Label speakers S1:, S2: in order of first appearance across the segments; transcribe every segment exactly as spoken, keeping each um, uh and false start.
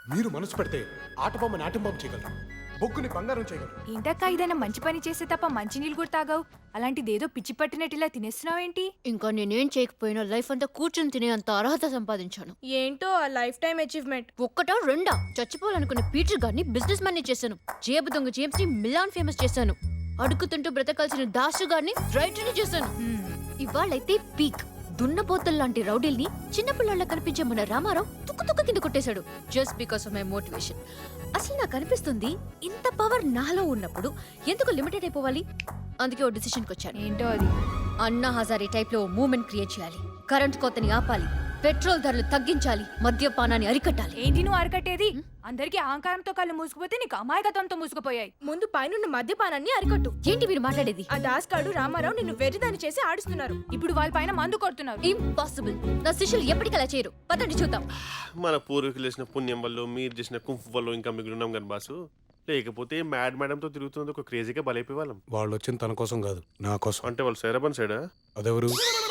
S1: మీరు మనసు పెడితే ఆటబొమ్మని ఆటంబొమ్మ చేయగలరు, బొగ్గుని బంగారం చేయగలరు.
S2: ఏంటక్క ఏదైనా మంచి పని చేస్తే తప్ప మంచి నీళ్ళు కూడా తాగావు, అలాంటిదేదో పిచ్చి పట్టినట్టు ఇలా తినేస్తున్నావేంటి?
S3: ఇంకా నేనేం చేయకపోయినా లైఫ్ అంతా కూర్చొని తినే అంత అర్హత సంపాదించాను.
S4: ఏంటో ఆ లైఫ్ టైం అచీవ్మెంట్.
S3: ఒక్కటో రెండా చచ్చిపోవాలనుకున్న పీటర్ గారిని బిజినెస్ మ్యాన్ చేశాను. జేబు దొంగ జేమ్స్ ని మిలాన్ ఫేమస్ చేశాను. అడుగుతుంటూ బ్రతకాల్సిన దాసు గారిని రైటర్ చేశాను. ఇవాళైతే పీక్ దున్నపోతల్ లాంటి రౌడీల్ని చిన్నపిల్లల కనిపించే మన రామారావు తుక్కు తుక్కు కింద కొట్టేశాడు. Just because of my motivation. అసలు నాకు అనిపిస్తుంది ఇంత పవర్ నాలో ఉన్నప్పుడు ఎందుకు లిమిటెడ్ అయిపోవాలి. అందుకే ఓ డిసిషన్కి వచ్చాను.
S2: ఏంటో అది?
S3: అన్నా హజారీ టైప్ లో మూవ్మెంట్ క్రియేట్ చేయాలి. కరెంట్ కోతని ఆపాలి, పెట్రోల్ ధరలు తగ్గించాలి, మద్యపానాన్ని అరికట్టాలి.
S2: ఏంటి నువ్వు అరకట్టేది? అందరికి అహంకారంతో కళ్ళు మూసుకుపోతే నీకు అమాయకత్వంతో మూసుకుపోయాయి.
S4: ముందు పైనున్న మద్యపానాన్ని అరికట్టు.
S3: ఏంటి మీరు మాట్లాడేది?
S4: ఆ దాస్కాడు రామారావు నిన్ను వెర్రిదాన్ని చేసి ఆడిస్తున్నారు.
S2: ఇప్పుడు వాళ్ళ పైన మందు కొడుతున్నారు.
S3: ఇంపాసిబుల్. నా శిష్యులు ఎప్పటికలా చేయరు. పదండి చూద్దాం.
S5: మన పూర్వీకులు చేసిన పుణ్యం వల్ల, మీరు చేసిన కుంఫు వల్ల ఇంకా మిగిలినాం కానీ బాసు. లేకపోతే మ్యాడ్ మేడంతో తిరుగుతున్నది ఒక క్రేజీగా బలైపోయే వాళ్ళం.
S1: వాళ్ళు వచ్చింది తన కోసం కాదు, నా కోసం.
S5: అంటే వాళ్ళు సైరాబాన్ సైడా?
S1: అదెవరు?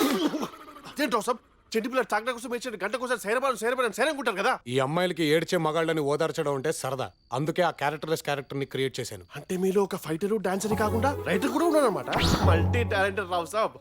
S5: చెట్టు పిల్లలు తాగడం కోసం వేసిన గంట కోసం సైరాబాన్ సైరాబాన్ సైరనుకుంటారు కదా.
S1: ఈ అమ్మాయిలకి ఏడ్చే మగాళ్ళని ఓదార్చడం అంటే సరదా, అందుకే ఆ క్యారెక్టర్లెస్ క్యారెక్టర్ ని క్రియేట్ చేశాను.
S5: అంటే మీలో ఒక ఫైటర్ డాన్సర్ కాకుండా రైటర్ కూడా ఉన్నాడు అనమాట. Multi talented Rao saab.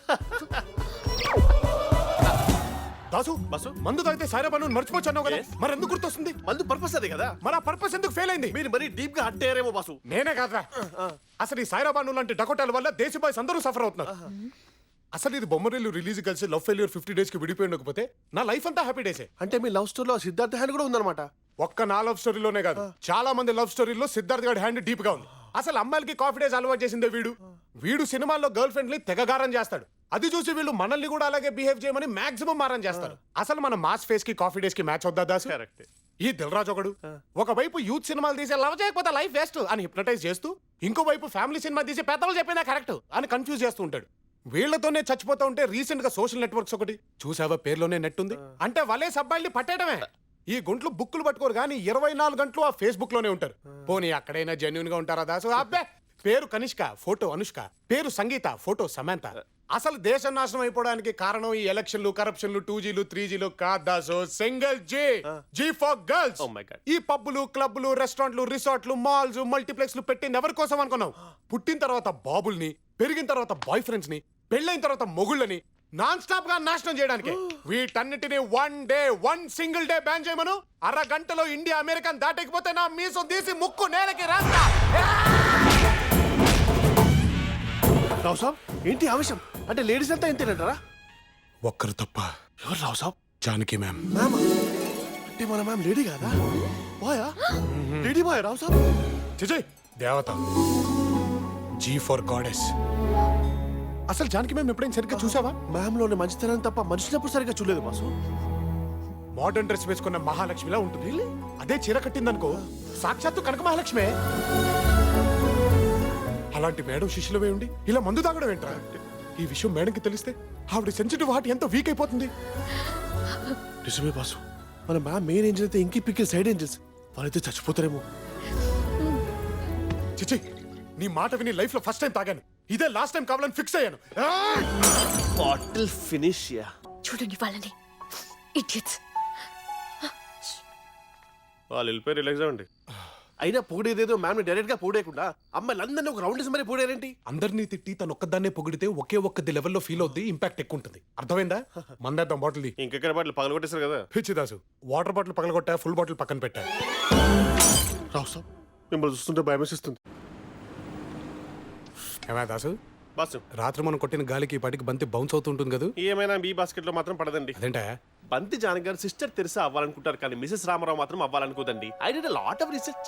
S1: దాసు
S5: బస్సు
S1: మందు తాగితే సాయిరాబాను మర్చిపోవచ్చు అన్నావు కదా,
S5: Yes.
S1: మరి ఎందుకు గుర్తొస్తుంది?
S5: మందు పర్పస్ అదే కదా.
S1: మరి ఆ పర్పస్ ఎందుకు ఫెయిల్ అయింది?
S5: మీరు మరీ డీప్ గా హట్ అయ్యారేమో బాసు.
S1: నేనే కాదురా, అసలు ఈ సాయిరాబాను లాంటి డకోటాల వల్ల దేశ బాయ్స్ అందరూ సఫర్ అవుతున్నారు. అసలు ఇది బొమ్మరిల్లు రిలీజ్ కలిసి లవ్ ఫెయిల్యూర్ ఫిఫ్టీ డేస్ కి విడిపోయి ఉండకపోతే నా లైఫ్ అంతా హ్యాపీ డేసే.
S5: అంటే మీ లవ్ స్టోరీలో సిద్ధార్థ హ్యాండ్ కూడా ఉందన్నమాట.
S1: ఒక్క నా లవ్ స్టోరీలోనే కాదు, చాలా మంది లవ్ స్టోరీలో సిద్ధార్థ్ గారి హ్యాండ్ డీప్ గా ఉంది. అసలు అమ్మాయిలకి కాఫీ డేస్ అలవాటు చేసిందే వీడు. వీడు సినిమాల్లో గర్ల్ ఫ్రెండ్ ని తెగగారం చేస్తాడు. అది చూసి వీళ్ళు మనల్ని కూడా అలాగే బిహేవ్ చేయమని మాక్సిమం మారం చేస్తారు. అసలు మన మాస్ ఫేస్ కి కాఫీ డేస్ కి మ్యాచ్ అవుద్దా దాసు?
S5: కరెక్ట్.
S1: ఈ దిల్రాజ్ ఒకడు ఒకవైపు యూత్ సినిమాలు తీసే లవ్ చేయకపోతే లైఫ్ వేస్ట్ అని హిప్నటైజ్ చేస్తూ, ఇంకోవైపు ఫ్యామిలీ సినిమా తీసి పెద్దలు చెప్పిందా కరెక్ట్ అని కన్ఫ్యూజ్ చేస్తూ ఉంటాడు. వీళ్లతోనే చచ్చిపోతా ఉంటే రీసెంట్ గా సోషల్ నెట్వర్క్స్ ఒకటి చూసావా, పేర్లోనే నెట్ ఉంది అంటే వలే సబ్బాయిల్ని పట్టేయడమే. ఈ గుంట్లు బుక్కులు పట్టుకోరు కానీ ఇరవై నాలుగు గంటలు ఆ ఫేస్బుక్ లోనే ఉంటారు. పోనీ అక్కడైనా జెన్యున్ గా ఉంటారా దాసు? అబ్బే, పేరు కనిష్క, ఫోటో అనుష్క, పేరు సంగీత, ఫోటో సమంత. అసలు దేశం నాశనం అయిపోవడానికి కారణం ఈ ఎలక్షన్లు, కరప్షన్లు, టూ జీలు త్రీ జీలు కాదు Dasu. Single G, G for girls. ఈ పబ్బులు, క్లబ్లు, రెస్టారెంట్లు, రిసార్ట్లు, మాల్స్, మల్టీప్లెక్స్లు పెట్టింది ఎవరి కోసం అనుకున్నావు? పుట్టిన తర్వాత బాబుల్ని, పెరిగిన తర్వాత బాయ్ ఫ్రెండ్స్ ని, పెళ్ళైన తర్వాత మొగుళ్ళని నాన్ స్టాప్ గా నాశనం చేయడానికి. వీటన్నిటిని one day one single day ban చేయమను. అరగంటలో ఇండియా అమెరికన్ దాటకపోతే నా మీసం తీసి ముక్కు నేలకి రాస్తా.
S5: రావు సాబ్ ఏంటి ఆవేశం? అంటే లేడీస్ అంతా ఎంతేనంటారా?
S1: ఒక్కరు తప్ప.
S5: ఎవరు రావు సాబ్?
S1: జానకి మ్యామ్.
S5: మ్యామ్ అంటే మన మ్యామ్ లేడీ కాదా? బాయా? లేడీ బాయ్ రావు సాబ్?
S1: చిజయ్ దేవత, జీ ఫర్ గాడెస్. అసలు జానకి మ్యామ్ ఎప్పుడైనా సరిగ్గా చూసావా?
S5: మ్యామ్ లోని మంచితనం తప్ప మనుషులప్పుడు సరిగ్గా చూడలేదు బాసు.
S1: మోడర్న్ డ్రెస్ వేసుకున్న మహాలక్ష్మిలా ఉంటుంది. అదే చీర కట్టిందనుకో సాక్షాత్తు కనక మహాలక్ష్మే. అలాంటి మేడం శిష్యులవే ఉండి ఇలా మందు తాగడం ఏంట్రా? ఈ విషయం మేడంకి తెలిస్తే ఆవిడ సెన్సిటివ్ హార్ట్ ఎంత వీక్ అయిపోతుంది.
S5: నిజమే బాసు, మన మ్యామ్ మెయిన్ ఏంజిల్ అయితే ఇంకి పిక్కి సైడ్ ఏంజిల్స్ వాళ్ళైతే చచ్చిపోతారేమో.
S1: చిచి, నీ మాట విని లైఫ్ లో ఫస్ట్ టైం తాగాను. ఇదే లాస్ట్ టైం కావాలని ఫిక్స్ అయ్యాను.
S5: Bottle finish yeah.
S3: చూడండి వాళ్ళని, ఇడియట్స్.
S5: వాళ్ళు వెళ్ళిపోయి రిలాక్స్ అవ్వండి. అయినా పొగిడేదేదో మ్యామ్ డైరెక్ట్ గా పొగిడేయకుండా అమ్మాయిలందరినీ ఒక రౌండ్ మరి పొగిడారేంటి?
S1: అందరినీ తిట్టి తను ఒక్కదాన్నే పొగిడితే ఒకే ఒక్కది లెవెల్లో ఫీల్ అవుద్ది, ఇంపాక్ట్ ఎక్కువ ఉంటుంది. అర్థమైందా? మందేద్దాం బాటిల్.
S5: ఇంకెక్కడ బాటిల్ పగల కొట్టేశారు కదా.
S1: పిచ్చిదాసు, వాటర్ బాటిల్ పగలగొట్టా, ఫుల్ బాటిల్ పక్కన పెట్టా.
S5: రావు సాబ్ మిమ్మల్ని చూస్తుంటే భయం వేసిస్తుంది.
S1: ఏమా దాసు,
S5: బాసు
S1: రాత్రి మనం కొట్టిన గాలికి ఈ పాటికి బంతి బౌన్స్ అవుతుంటుంది కదా.
S5: ఏమైనా మీ బాస్కెట్ లో మాత్రం పడదండి.
S1: అదేంటా?
S5: బంతి జానకి గారు సిస్టర్ తెరిసా అవ్వాలనుకుంటారు కానీ మిసెస్ రామారావు మాత్రం అవ్వాలనుకోదండి. I did a lot of research.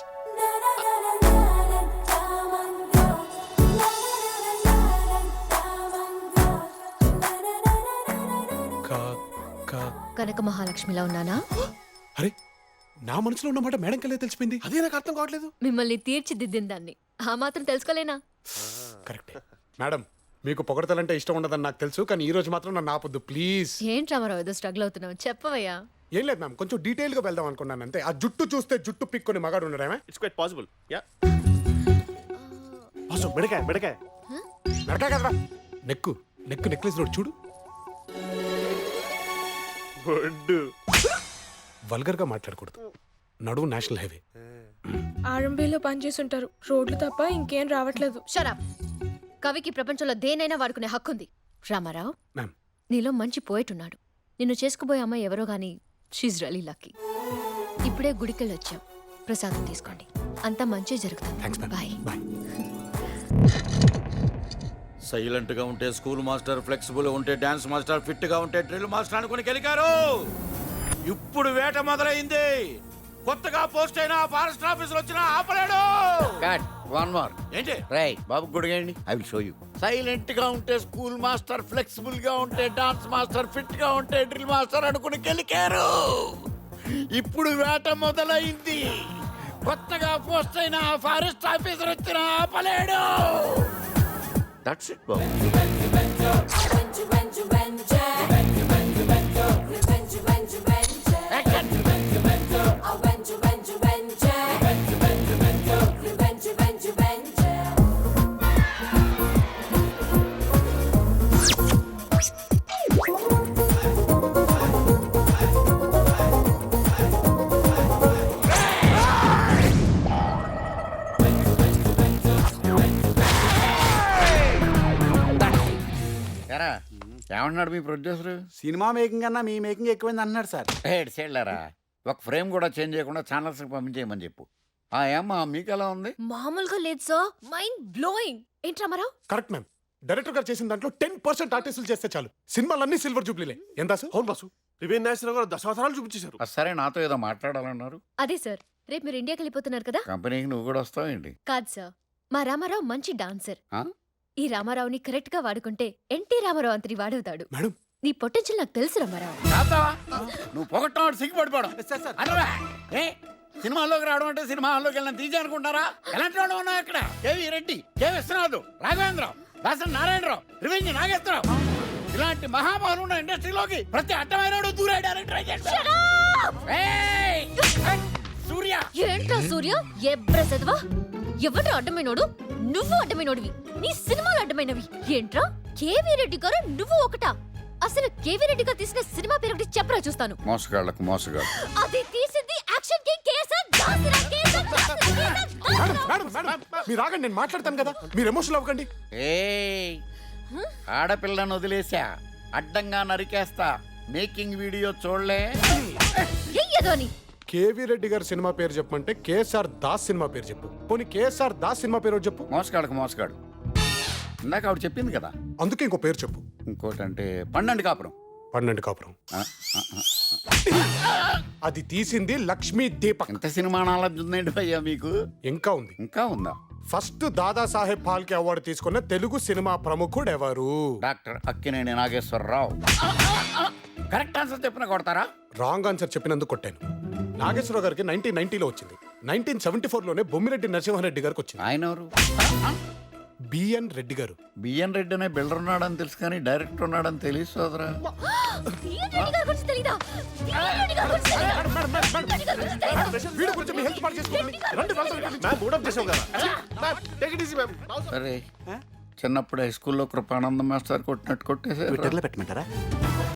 S3: కనక మహాలక్ష్మిలా ఉన్నానా?
S1: అరే, నా మనసులో ఉన్నమాట మేడం కల్లే తెలిసిపోయింది.
S5: అదే నాకు అర్థం కావట్లేదు.
S3: మిమ్మల్ని తీర్చిదిద్దిన దాన్ని ఆ మాత్రం తెలుసుకోలేనా?
S1: కరెక్ట్ మేడం, మీకు పొగడతలంటే ఇష్టం ఉండదని నాకు తెలుసు, కానీ ఈ రోజు మాత్రం నన్ను ఆపొద్దు ప్లీజ్.
S3: ఏంటి రామారావు ఏదో స్ట్రగుల్ అవుతున్నావు, చెప్పవయ్యా.
S1: ఏం లేదు మ్యామ్, కొంచెం డీటెయిల్ గా వెళ్దాం అనుకున్నాను అంతే. ఆ జుట్టు చూస్తే జుట్టు పిక్కొని మగాడు ఉండడమే.
S5: It's quite possible. Yeah boss, మెడకాయ మెడకాయ
S1: నడకా కదరా, నెక్కు నెక్కు నెక్లెస్ రోడ్ చూడు.
S5: గుడ్.
S1: వల్గర్ గా మాట్లాడకూడదు. నడువు నేషనల్ హైవే.
S4: ఆర్ఎంబీలో పనిచేస్తుంటారు, రోడ్లు తప్ప ఇంకేం రావట్లేదు.
S3: షరాప్. కవికి ప్రపంచంలో దేనైనా వాడుకునే హక్కుంది. రామారావు,
S1: మ్యామ్.
S3: నీలో మంచి పోయిట్ ఉన్నాడు. నిన్ను చేసుకుపోయే అమ్మాయి ఎవరో గాని షీజ్ రియలీ లక్కీ. ఇప్పుడే గుడికెళ్ళి వచ్చాం, ప్రసాదం తీసుకోండి. అంతా మంచి
S1: థ్యాంక్స్
S3: జరుగుతుంది.
S1: మ్యామ్.
S3: బాయ్.
S1: బాయ్.
S6: సైలెంట్ గా ఉంటే స్కూల్ మాస్టర్, ఫ్లెక్సిబుల్ ఉంటే డాన్స్ మాస్టర్, ఫిట్ గా ఉంటే డ్రిల్ మాస్టర్ అనుకుని గెలికారు. ఇప్పుడు వేట మొదలైంది. కొత్తగా పోస్ట్ అయిన ఫారెస్ట్ ఆఫీసర్ వచ్చినా ఆపలేడు.
S7: Cut one more.
S6: ఏంటి?
S7: రైట్ బాబు గుడిగండి, I will show you. Silent గా ఉంటే స్కూల్ మాస్టర్, ఫ్లెక్సిబుల్ గా ఉంటే డాన్స్ మాస్టర్, ఫిట్ గా ఉంటే డ్రిల్ మాస్టర్ అనుకుని గెలికారు. ఇప్పుడు వేట మొదలైంది. కొత్తగా పోస్ట్ అయిన ఫారెస్ట్ ఆఫీసర్ వచ్చిన ఆపలేడు. దట్స్ ఇట్ బాబు. ఎరా ఏమన్నాడు మీ ప్రొడ్యూసర్?
S6: సినిమా మేకింగ్ అన్నా మీ మేకింగ్ ఎక్కువైంది అన్నాడు సార్.
S7: హెడ్ సైడ్లరా, ఒక ఫ్రేమ్ కూడా చేంజ్ చేయకుండా ఛానల్స్ పంపించేయమని చెప్పు. ఆ ఏమ్మా మీకు ఎలా ఉంది?
S3: మామూలుగా లేదు సార్, మైండ్ బ్లోయింగ్. ఏంటి రామారావు?
S1: Correct ma'am. డైరెక్టర్ గారు చేసిన దాంట్లో టెన్ పర్సెంట్ ఆర్టిస్టులు చేస్తే చాలు, సినిమాలన్నీ సిల్వర్ జూబ్లీలే. ఎంత సార్?
S5: అవును బాసు, రివెన్ నేషనల్ కూడా దశావతారాలు చూపించేశారు.
S7: ఆ, సరే నాతో ఏదో మాట్లాడాలన్నారు.
S3: అదే సార్, రేపు మీరు ఇండియాకి వెళ్ళిపోతున్నారు కదా?
S7: కంపెనీకి నువ్వు కూడా వస్తావేంటి?
S3: కాదు సార్, మా రామారావు మంచి డాన్సర్.
S7: ఆ?
S3: ఈ రామారావుని కరెక్ట్ గా వాడుకుంటే ఎన్టీ రామారావు అంతటి వాడవుతాడు.
S1: మేడం,
S3: నీ పొటెన్షియల్ నాకు తెలుసు రామారావు.
S7: కాదా? నువ్వు పొగట్టం సిగ్గుపడిపోవడం. అనరా? ఏ సినిమాల్లోకి రావడం అంటే సినిమా హాల్లోకి వెళ్ళిన తీజే అనుకుంటారా? ఎలాంటి వాడు ఉన్నావు ఇక్కడ? కేవీ రెడ్డి, కె విశ్వనాథ్, రాఘవేంద్రరావు, దాసన్ నారాయణరావు, రివెంజ్ నాగేశ్వరరావు, ఇలాంటి మహామహులు ఉన్న ఇండస్ట్రీలోకి ప్రతి అడ్డమైన దూరాడారని ట్రై చేస్తాడు. ఏయ్! సూర్య,
S3: ఏంట్రా సూర్య, ఎబ్రసెదవా? ఎవరు అడ్డమైనోడు? నువ్వు అడ్డమైనోడివి. నీ సినిమాలు అడ్డమైనవి. ఏంట్రా కేవీ రెడ్డి గారు నువ్వు ఒకటా? అసలు కేవీ రెడ్డి గారు తీసిన సినిమా పేరు ఒకటి చెప్పరా చూస్తాను.
S7: మోసగాళ్ళకు మోసగాడు.
S3: అది తీసింది యాక్షన్ కింగ్ కేసర్ దాసరా కేసర్ దాసరా కేసర్
S1: మేడం, మేడం, మేడం, మీరు ఆగండి, నేను మాట్లాడతాను కదా, మీరు ఎమోషనల్ అవ్వకండి.
S7: ఏయ్! ఆడపిల్లను వదిలేసా, అడ్డంగా నరికేస్తా. మేకింగ్ వీడియో చూడలే?
S3: ఎయ్యదోని
S1: కేవీ రెడ్డి గారి సినిమా పేరు చెప్పమంటే కేఎస్ఆర్ దాస్ సినిమా పేరు చెప్పు. పోనీ కేఎస్ఆర్ దాస్ సినిమా పేరు ఒకటి చెప్పు.
S7: మోసగాళ్ళకు మోసగాడు. ఇందాక ఆవిడ చెప్పింది కదా.
S1: అందుకే ఇంకో పేరు చెప్పు.
S7: ఇంకోటంటే పన్నెండు కాపురం.
S1: పన్నెండు కాపురం.
S7: ఆ, ఆ, ఆ.
S1: అది తీసింది లక్ష్మీ దీపక్.
S7: ఎంత సినిమా నాలెడ్జ్ ఉందండి భయ్యా మీకు?
S1: ఇంకా ఉంది.
S7: ఇంకా ఉందా?
S1: ఫస్ట్ దాదాసాహెబ్ ఫాల్కే అవార్డు తీసుకున్న తెలుగు సినిమా ప్రముఖుడు ఎవరు?
S7: Doctor Akkineni Nageswara Rao. Correct answer చెప్పిన కొడతారా?
S1: రాంగ్ ఆన్సర్ చెప్పినందుకు కొట్టాను. నాగేశ్వరరావు గారికి నైన్టీన్ నైన్టీలో వచ్చింది. నైన్టీన్ సెవెంటీ ఫోర్ లోనే బొమ్మిరెడ్డి నరసింహారెడ్డి గారికి వచ్చింది.
S7: ఆయన ఎవరు?
S1: బిఎన్ రెడ్డి గారు.
S7: బిఎన్ రెడ్డి అనే బిల్డర్ ఉన్నాడని తెలుసు కానీ డైరెక్టర్ ఉన్నాడని తెలియదు సోదరా.
S3: బిఎన్ రెడ్డి గారి గురించి తెలీదా? బిఎన్ రెడ్డి గారి గురించి తెలీదా? బిఎన్ రెడ్డి గారి గురించి తెలీదా?
S1: వీడి గురించి మీ హెల్త్ పాడు చేసుకోండి. రండి, వెళ్దాం.
S5: మ్యామ్ మూడప్ చేసాం కదా. Ma'am take it easy ma'am.
S7: సరే, చిన్నప్పుడు హై స్కూల్లో కృపానంద మాస్టర్ కొట్టినట్టు కొట్టేసారు.
S6: పెట్టమంటారా?